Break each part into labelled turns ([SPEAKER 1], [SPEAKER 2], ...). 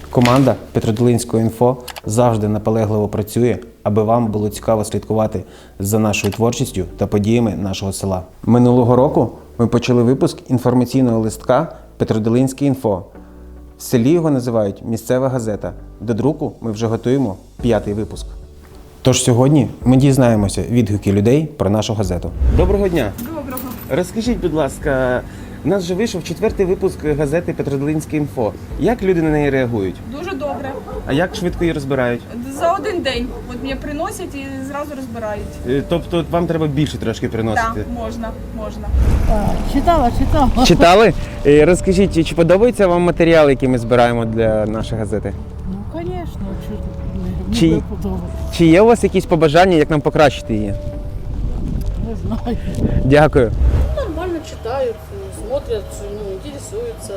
[SPEAKER 1] Команда Петродолинського інфо завжди наполегливо працює, аби вам було цікаво слідкувати за нашою творчістю та подіями нашого села. Минулого року ми почали випуск інформаційного листка Петродолинське інфо. В селі його називають «Місцева газета». До друку ми вже готуємо 5-й випуск. Тож сьогодні ми дізнаємося відгуки людей про нашу газету. Доброго дня!
[SPEAKER 2] Доброго.
[SPEAKER 1] Розкажіть, будь ласка, у нас вже вийшов 4-й випуск газети Петродолинське інфо. Як люди на неї реагують?
[SPEAKER 2] Дуже добре.
[SPEAKER 1] А як швидко її розбирають?
[SPEAKER 2] За один день. От мені приносять і зразу розбирають.
[SPEAKER 1] Тобто вам треба більше трошки приносити?
[SPEAKER 2] Так, можна.
[SPEAKER 3] Читала.
[SPEAKER 1] Читали? Розкажіть, чи подобається вам матеріал, який ми збираємо для нашої газети?
[SPEAKER 3] Ну, звісно,
[SPEAKER 1] Чи-
[SPEAKER 3] не подобається.
[SPEAKER 1] Чи є у вас якісь побажання, як нам покращити її?
[SPEAKER 3] Не знаю.
[SPEAKER 1] Дякую.
[SPEAKER 3] Нормально читают, смотрят, интересуются.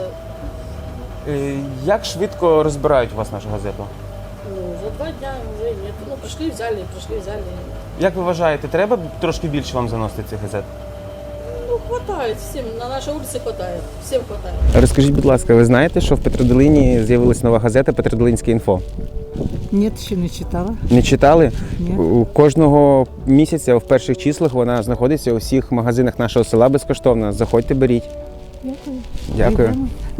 [SPEAKER 1] Як швидко розбирають у вас нашу газету?
[SPEAKER 3] Ну, за 2 дня уже нет. Ну, пришли, взяли.
[SPEAKER 1] Як ви вважаєте, треба трошки більше вам заносити цих газет?
[SPEAKER 3] Ну, хватает всем, на нашей улице хватает, всем хватает.
[SPEAKER 1] Розкажіть, будь ласка, ви знаєте, що в Петродолині з'явилась нова газета «Петродолинське інфо»?
[SPEAKER 4] Ні, ще не читала.
[SPEAKER 1] Не читали?
[SPEAKER 4] Ні.
[SPEAKER 1] Кожного місяця в перших числах вона знаходиться у всіх магазинах нашого села безкоштовно. Заходьте, беріть. Дякую.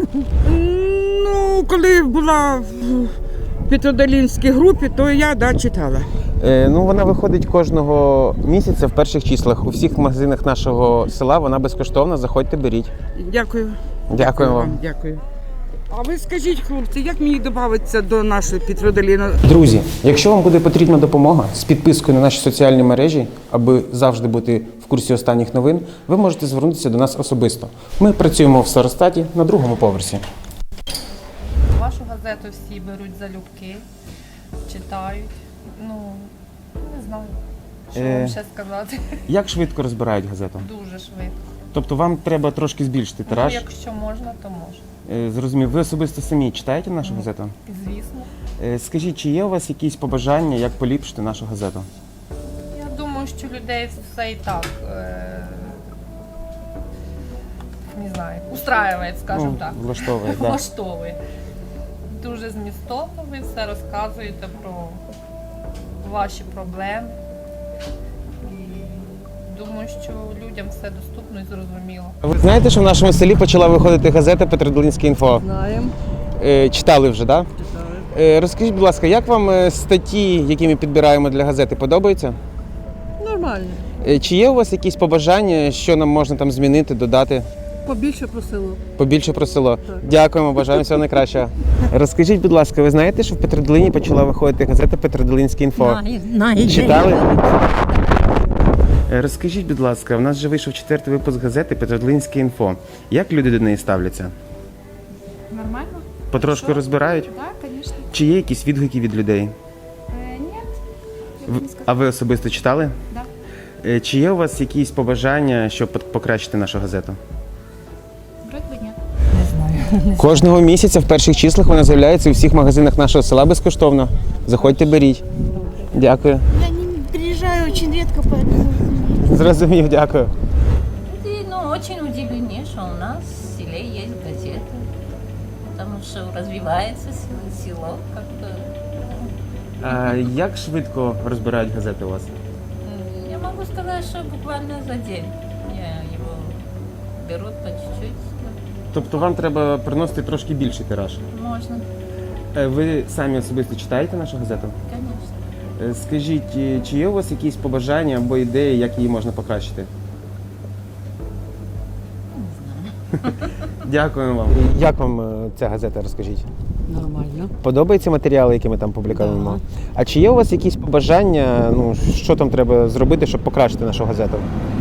[SPEAKER 4] Ну, коли була в Петродолинській групі, то я читала.
[SPEAKER 1] Вона виходить кожного місяця в перших числах. У всіх магазинах нашого села вона безкоштовна. Заходьте, беріть.
[SPEAKER 4] Дякую.
[SPEAKER 1] Дякую вам.
[SPEAKER 4] Дякую. А ви скажіть, хлопці, як мені додатися до нашої Петродолини?
[SPEAKER 1] Друзі, якщо вам буде потрібна допомога з підпискою на наші соціальні мережі, аби завжди бути в курсі останніх новин, ви можете звернутися до нас особисто. Ми працюємо в Саростаті на 2-му поверсі.
[SPEAKER 5] Вашу газету всі беруть залюбки, читають. Ну, не знаю, що вам ще сказати.
[SPEAKER 1] Як швидко розбирають газету?
[SPEAKER 5] Дуже швидко.
[SPEAKER 1] Тобто вам треба трошки збільшити
[SPEAKER 5] Ну,
[SPEAKER 1] тираж?
[SPEAKER 5] якщо можна, то можна.
[SPEAKER 1] Зрозумів. Ви особисто самі читаєте нашу газету?
[SPEAKER 5] Звісно.
[SPEAKER 1] Скажіть, чи є у вас якісь побажання, як поліпшити нашу газету?
[SPEAKER 5] Я думаю, що людей все і так, не знаю, устраює, скажімо так.
[SPEAKER 1] Влаштовує, так.
[SPEAKER 5] Влаштовує. Дуже змістовно ви все розказуєте про ваші проблеми. І думаю, що людям все доступно і зрозуміло.
[SPEAKER 1] Ви знаєте, що в нашому селі почала виходити газета «Петродолинське інфо»?
[SPEAKER 4] Знаємо.
[SPEAKER 1] Читали вже, так? Да? Розкажіть, будь ласка, як вам статті, які ми підбираємо для газети, подобаються?
[SPEAKER 4] Нормально.
[SPEAKER 1] Чи є у вас якісь побажання, що нам можна там змінити, додати?
[SPEAKER 4] Побільше про село.
[SPEAKER 1] Побільше про село. Дякуємо, бажаємо всього найкращого. Розкажіть, будь ласка, ви знаєте, що в Петродолині почала виходити газета «Петродолинське інфо»? Читали? Розкажіть, будь ласка, у нас вже вийшов 4-й випуск газети «Петродолинське інфо». Як люди до неї ставляться?
[SPEAKER 6] Нормально?
[SPEAKER 1] Потрошку розбирають?
[SPEAKER 6] Да, конечно.
[SPEAKER 1] Чи є якісь відгуки від людей?
[SPEAKER 6] Нет.
[SPEAKER 1] А ви особисто читали?
[SPEAKER 6] Да.
[SPEAKER 1] Чи є у вас якісь побажання, щоб покращити нашу газету?
[SPEAKER 6] Вроде бы нет.
[SPEAKER 1] Кожного місяця в перших числах вона з'являється у всіх магазинах нашого села безкоштовно. Заходьте, беріть. Дякую.
[SPEAKER 6] Я не приезжаю очень редко, поэтому...
[SPEAKER 1] Зрозумів, дякую.
[SPEAKER 7] Люди, очень удивлены, что у нас в селе есть газеты, потому что развивается село как-то.
[SPEAKER 1] А як швидко розбирають газети у вас?
[SPEAKER 7] Я могу сказать, что буквально за день его берут по чуть-чуть.
[SPEAKER 1] Тобто вам треба приносити трошки більший тираж.
[SPEAKER 7] Можно,
[SPEAKER 1] Ви самі особисто читаєте нашу газету?
[SPEAKER 7] конечно.
[SPEAKER 1] Скажіть, чи є у вас якісь побажання або ідеї, як її можна покращити? Дякуємо вам. Як вам ця газета, розкажіть?
[SPEAKER 4] Нормально.
[SPEAKER 1] Подобаються матеріали, які ми там публікуємо?
[SPEAKER 4] Да.
[SPEAKER 1] А чи є у вас якісь побажання, що там треба зробити, щоб покращити нашу газету?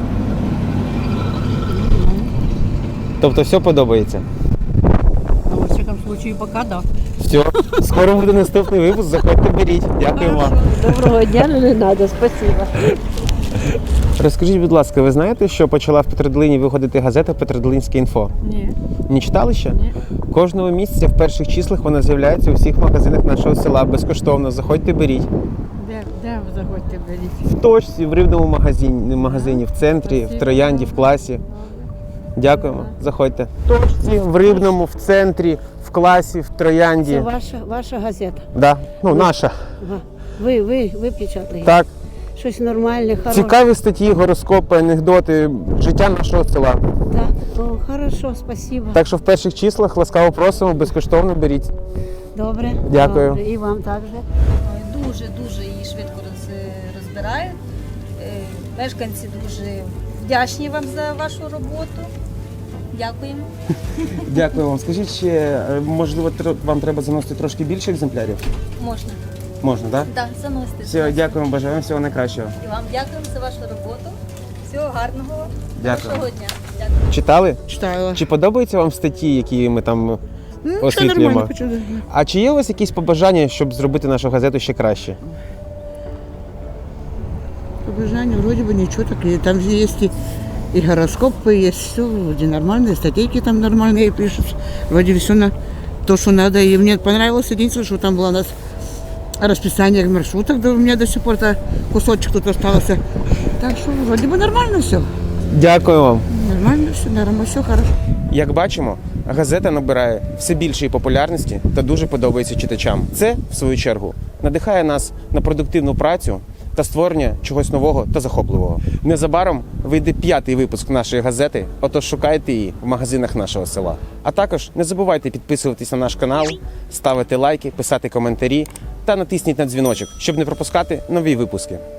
[SPEAKER 1] Тобто все подобається?
[SPEAKER 3] Ну, во всяком случае, пока да.
[SPEAKER 1] Все, скоро буде наступний випуск, заходьте, беріть. Дякую вам.
[SPEAKER 3] Доброго дня, не треба, спасибо.
[SPEAKER 1] Розкажіть, будь ласка, ви знаєте, що почала в Петродолині виходити газета «Петродолинське інфо»?
[SPEAKER 4] Ні.
[SPEAKER 1] Не читали ще?
[SPEAKER 4] Ні.
[SPEAKER 1] Кожного місяця в перших числах вона з'являється у всіх магазинах нашого села безкоштовно. Заходьте, беріть.
[SPEAKER 4] Де ви заходьте, беріть?
[SPEAKER 1] В точці, в рибному магазині, в центрі, в Троянді, в класі. Дякуємо, заходьте. В точці, в рибному, в центрі, в в класі, в Троянді.
[SPEAKER 8] Це ваша газета.
[SPEAKER 1] Да. Ну, наша.
[SPEAKER 8] Ага. Ви печатаєте?
[SPEAKER 1] Так.
[SPEAKER 8] Щось нормальне, хороше.
[SPEAKER 1] Цікаві статті, гороскопи, анекдоти, життя нашого села.
[SPEAKER 8] Так, о, хорошо, спасибо.
[SPEAKER 1] Так що в перших числах ласкаво просимо, безкоштовно беріть.
[SPEAKER 8] Добре.
[SPEAKER 1] Дякую.
[SPEAKER 8] Добре. І вам також.
[SPEAKER 9] Дуже її швидко розбирають. Мешканці дуже вдячні вам за вашу роботу. Дякуємо.
[SPEAKER 1] Дякую вам. Скажіть ще, можливо, вам треба заносити трошки більше екземплярів?
[SPEAKER 9] Можна.
[SPEAKER 1] Можна, так?
[SPEAKER 9] Так, заносите.
[SPEAKER 1] Все, дякуємо, бажаємо всього найкращого.
[SPEAKER 9] І вам дякуємо за вашу роботу. Всього гарного.
[SPEAKER 1] Дякую.
[SPEAKER 9] Хорошого дня. Дякую.
[SPEAKER 1] Читали?
[SPEAKER 4] Читала.
[SPEAKER 1] Чи подобаються вам статті, які ми там
[SPEAKER 4] Все
[SPEAKER 1] освітлюємо?
[SPEAKER 4] нормально, почули.
[SPEAKER 1] А чи є у вас якісь побажання, щоб зробити нашу газету ще краще?
[SPEAKER 4] Побежание вроде бы ничего такие. Там же есть и гороскопы, есть все вроде нормальные, статейки там нормальные пишут. Вроде все на то, что надо. И мне понравилось единственное, что там было у нас расписание маршруток, да у меня до сих пор кусочек тут остался. Так что вроде бы нормально все.
[SPEAKER 1] Дякую вам.
[SPEAKER 4] Нормально, все хорошо.
[SPEAKER 1] Як бачимо, газета набирає все більшої популярності та дуже подобається читачам. Це, в свою чергу, надихає нас на продуктивну працю та створення чогось нового та захопливого. Незабаром вийде 5-й випуск нашої газети, отож шукайте її в магазинах нашого села. А також не забувайте підписуватись на наш канал, ставити лайки, писати коментарі та натисніть на дзвіночок, щоб не пропускати нові випуски.